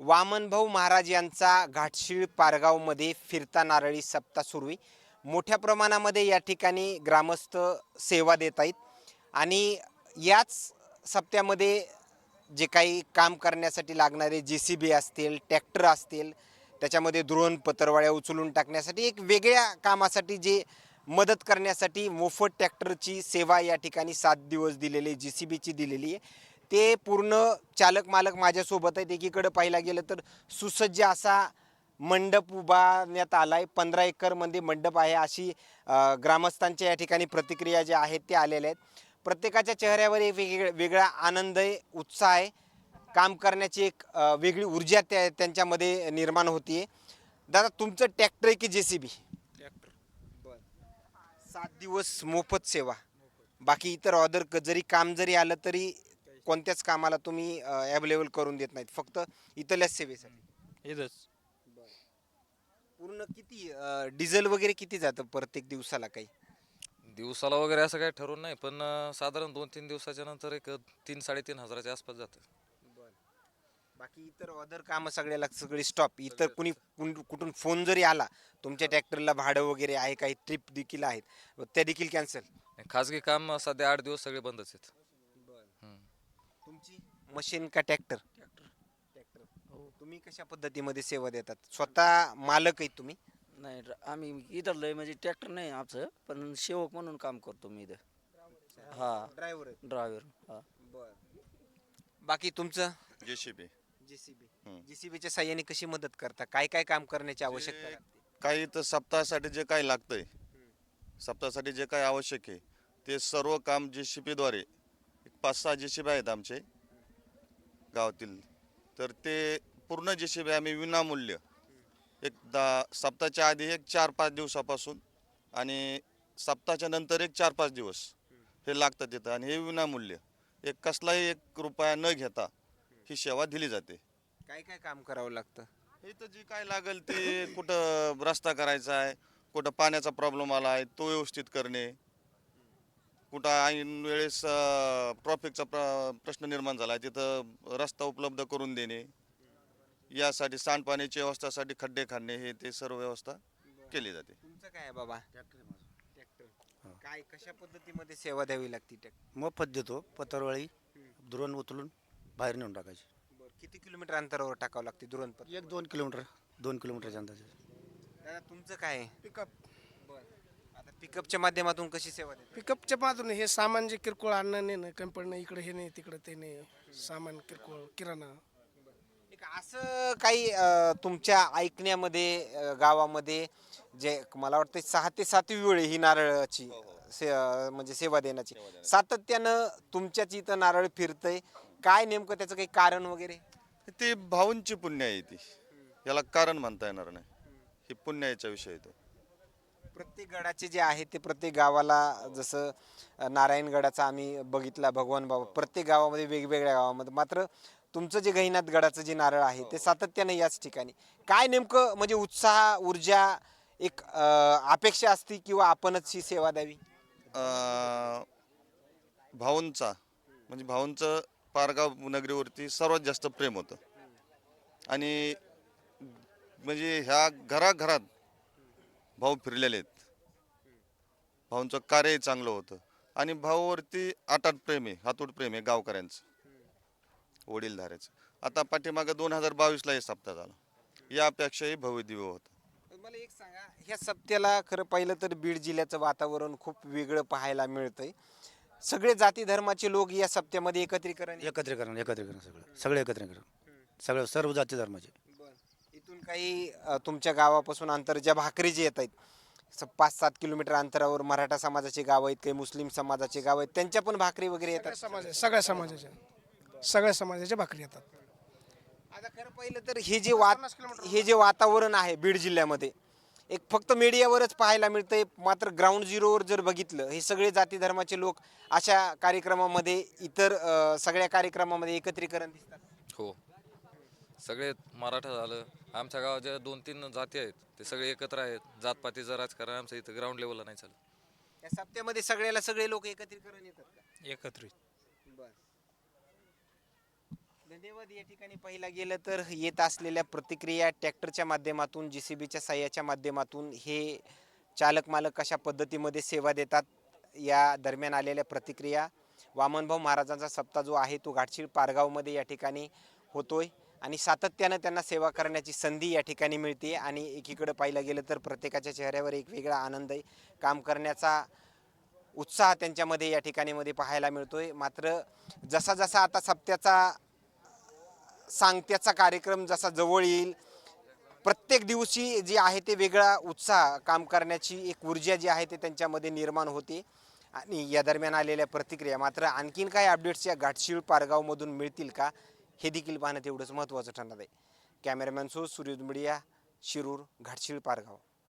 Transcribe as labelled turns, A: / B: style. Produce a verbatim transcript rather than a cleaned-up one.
A: वामनभाऊ महाराज यांचा घाटशीळ पारगावमध्ये फिरता नारळी सप्ताह सुरू आहे. मोठ्या प्रमाणामध्ये या ठिकाणी ग्रामस्थ सेवा देत आहेत आणि याच सप्त्यामध्ये जे काही काम करण्यासाठी लागणारे जे सी बी असतील, ट्रॅक्टर असतील, त्याच्यामध्ये द्रोण पत्रवाळ्या उचलून टाकण्यासाठी एक वेगळ्या कामासाठी जे मदत करण्यासाठी मोफत ट्रॅक्टरची सेवा या ठिकाणी सात दिवस दिलेली जी सी बीची दिलेली आहे. ते पूर्ण चालक मालक माझ्यासोबत आहेत. एकीकडे पाहायला गेलं तर सुसज्ज असा मंडप उभारण्यात आला आहे. पंधरा एकरमध्ये मंडप आहे अशी ग्रामस्थांच्या या ठिकाणी प्रतिक्रिया ज्या आहेत त्या आलेल्या आहेत. प्रत्येकाच्या चेहऱ्यावर एक वेगळा वेगळा आनंद आहे, उत्साह आहे. काम करण्याची एक वेगळी ऊर्जा त्या त्यांच्यामध्ये निर्माण होतीये. दादा, तुमचं ट्रॅक्टर आहे की जे सी बी?
B: ट्रॅक्टर.
A: बर. सात दिवस मोफत सेवा. बाकी इतर ऑदर जरी काम जरी आलं तरी कोणत्याच कामाला तुम्ही अवेलेबल करून देत नाहीत, फक्त इथल्याच सेवेसाठी?
B: इथंच
A: पूर्ण किती डिझेल वगैरे किती जातं प्रत्येक दिवसाला काही?
B: दिवसाला वगैरे असं काही ठरवून नाही, पण अं, साधारण दोन तीन दिवसाच्या नंतर एक तीन साडेतीन हजाराच्या आसपास जातं.
A: बाकी इतर अदर कामं सगळ्याला सगळी स्टॉप. इतर कुणी कुण- कुठून फोन जरी आला तुमच्या ट्रॅक्टरला भाडं वगैरे आहे, काही ट्रिप देखील आहेत, त्या देखील कॅन्सल?
B: खाजगी काम सध्या आठ दिवस सगळे बंदच आहेत. हम्म.
A: तुमची मशीन का ट्रॅक्टर? ट्रॅक्टर. तुम्ही कशा पद्धतीमध्ये सेवा देतात? स्वतः मालक आहेत तुम्ही?
C: नाही, ड्र- आम्ही इथं लय म्हणजे ट्रॅक्टर नाही आमचं, पण सेवक म्हणून काम करतो मी इथं. हा,
A: ड्रायव्हर?
C: ड्रायव्हर. हा.
A: बर. बाकी तुमचं?
D: JCB
A: JCB.
D: हम्म.
A: जेसीबीच्या साह्याने कशी मदत करता? काय काय काम करण्याची आवश्यकता लागते?
D: काही तर सप्ताहासाठी जे काही लागतंय, सप्ताहासाठी जे काही आवश्यक आहे ते सर्व काम जेसीबीद्वारे, एक पाच सहा जेसीबी आहेत आमचे गावातील, तर ते पूर्ण जेसीबी आम्ही विनामूल्य एक दहा सप्ताहाच्या आधी एक चार पाच दिवसापासून आणि सप्ताहाच्या नंतर एक चार पाच दिवस हे लागतं तिथं, आणि हे विनामूल्य, एक कसलाही एक रुपया न घेता ही सेवा दिली जाते.
A: काय काय काम करावं लागतं?
D: इथं जे काय लागेल ते, कुठं रस्ता करायचा आहे, कुठं पाण्याचा प्रॉब्लेम आला आहे तो व्यवस्थित करणे, कुठं ऐन वेळेस ट्रॉफिकचा प्र प्रश्न निर्माण झाला आहे तिथं रस्ता उपलब्ध करून देणे, यासाठी सांडपाण्याची व्यवस्थासाठी खड्डे खाणे, हे ते सर्व व्यवस्था केली जाते.
A: तुमचं काय आहे बाबा? ट्रॅक्टर. काय कशा पद्धतीमध्ये सेवा द्यावी लागते ट्रॅक्टर?
E: मोफत देतो. पत्रवाळी दुरण उचलून बाहेर नेऊन टाकायची.
A: किती किलोमीटर अंतरावर टाकावं लागते दुरण पर?
E: एक दोन किलोमीटर दोन किलोमीटरच्या अंदाजे.
A: दादा, तुमचं काय आहे?
F: पिकअप.
A: आता पिकअपच्या माध्यमातून कशी सेवा देता?
F: पिकअपच्या मातून हे सामान जे किरकोळ आणणं नाही, कमी पडणं, इकडे हे नाही तिकडे ते नाही, सामान किरकोळ किराणा.
A: एक असं काही अं, तुमच्या ऐकण्यामध्ये अं, गावामध्ये जे मला वाटतं सहा ते सातवी वेळ आहे ही नारळाची से अं, म्हणजे सेवा देण्याची, सातत्यानं तुमच्याच इथं नारळ फिरतंय, काय नेमकं त्याचं काही कारण वगैरे?
D: ती भाऊंची पुण्य आहे ती, याला कारण म्हणता येणार नाही, ही पुण्याचा विषय आहे तो.
A: प्रत्येक गडाचे जे आहे ते प्रत्येक गावाला, जसं अ, नारायणगडाचा आम्ही बघितला, भगवान बाबा प्रत्येक गावामध्ये वेगवेगळ्या गावामध्ये, मात्र तुमचं जे गहिनाथ गडाचं जे नारळ आहे ते सातत्याने याच ठिकाणी, काय नेमकं म्हणजे उत्साह, ऊर्जा, एक अ, अपेक्षा असते किंवा आपणच ही सेवा द्यावी?
D: अं, भाऊंचा म्हणजे भाऊंचं पारगाव नगरीवरती सर्वात जास्त प्रेम होतं, आणि म्हणजे ह्या घराघरात भाऊ फिरलेले आहेत, भाऊंचं कार्यही चांगलं होतं, आणि भाऊवरती अटाट प्रेम आहे, हातूट प्रेम आहे गावकऱ्यांचं, वडीलधाऱ्याचं. आता पाठीमागं दोन हजार बावीसला हे सप्ताह झाला, यापेक्षाही भव्य दिव्य होतं.
A: मला एक सांगा, ह्या सप्त्याला खरं पाहिलं तर बीड जिल्ह्याचं वातावरण खूप वेगळं पाहायला मिळतंय. सगळे जाती धर्माचे लोक या सप्त्यामध्ये एकत्रीकरण
E: एकत्रीकरण एकत्रीकरण सगळं सगळे एकत्रीकरण, सगळं सर्व जाती धर्माचे.
A: इथून काही अ, तुमच्या गावापासून अंतर ज्या भाकरी जे येत आहेत, स- पाच सात किलोमीटर अंतरावर मराठा समाजाचे गाव आहेत, काही मुस्लिम समाजाचे गाव आहेत, त्यांच्या पण भाकरी वगैरे
F: सगळ्या
A: येतात?
F: समाज सगळ्या समाजाच्या सगळ्या समाजाच्या भाकरी येतात.
A: आता खरं पाहिलं तर हे जे वात हे जे वातावरण आहे बीड जिल्ह्यामध्ये, एक फक्त मीडियावरच पाहायला मिळतंय, मात्र ग्राउंड झिरोवर जर बघितलं, हे सगळे जाती धर्माचे लोक अशा कार्यक्रमामध्ये, इतर अ, सगळ्या कार्यक्रमामध्ये एकत्रीकरण दिसतात.
B: हो, सगळे मराठा झालं, आमच्या गावात ज्या दोन तीन जाती आहेत ते सगळे एकत्र आहेत. जातपातीचं राजकारण आमचं इथं ग्राउंड लेवलला नाही चालत.
A: या सप्त्यामध्ये सगळ्याला सगळे लोक एकत्रीकरण येतात का?
G: एकत्रित.
A: बर. धन्यवाद. या ठिकाणी पाहिला गेलं तर येत असलेल्या प्रतिक्रिया ट्रॅक्टरच्या माध्यमातून, जेसीबीच्या साह्याच्या माध्यमातून हे चालक मालक कशा पद्धतीमध्ये सेवा देतात या दरम्यान आलेल्या प्रतिक्रिया. वामनभाऊ महाराजांचा सप्ताह जो आहे तो घाटशीळ पारगावमध्ये या ठिकाणी होतोय आणि सातत्यानं त्यांना सेवा करण्याची संधी या ठिकाणी मिळते आणि एकीकडे पाहिलं गेलं तर प्रत्येकाच्या चेहऱ्यावर एक वेगळा आनंद आहे, काम करण्याचा उत्साह त्यांच्यामध्ये या ठिकाणी मध्ये पाहायला मिळतोय. मात्र जसा जसा आता सप्त्याचा सांगत्याचा कार्यक्रम जसा जवळ येईल, प्रत्येक दिवशी जी आहे ते वेगळा उत्साह, काम करण्याची एक ऊर्जा जी आहे ते त्यांच्यामध्ये निर्माण होते. आणि या दरम्यान आलेल्या प्रतिक्रिया मात्र आणखीन काय अपडेट्स या घाटशीळ पारगावमधून मिळतील का हे देखील पाहणं तेवढंच महत्त्वाचं ठरणार आहे. Cameraman so Suryoday media, Shirur, Ghatshil Pargaon.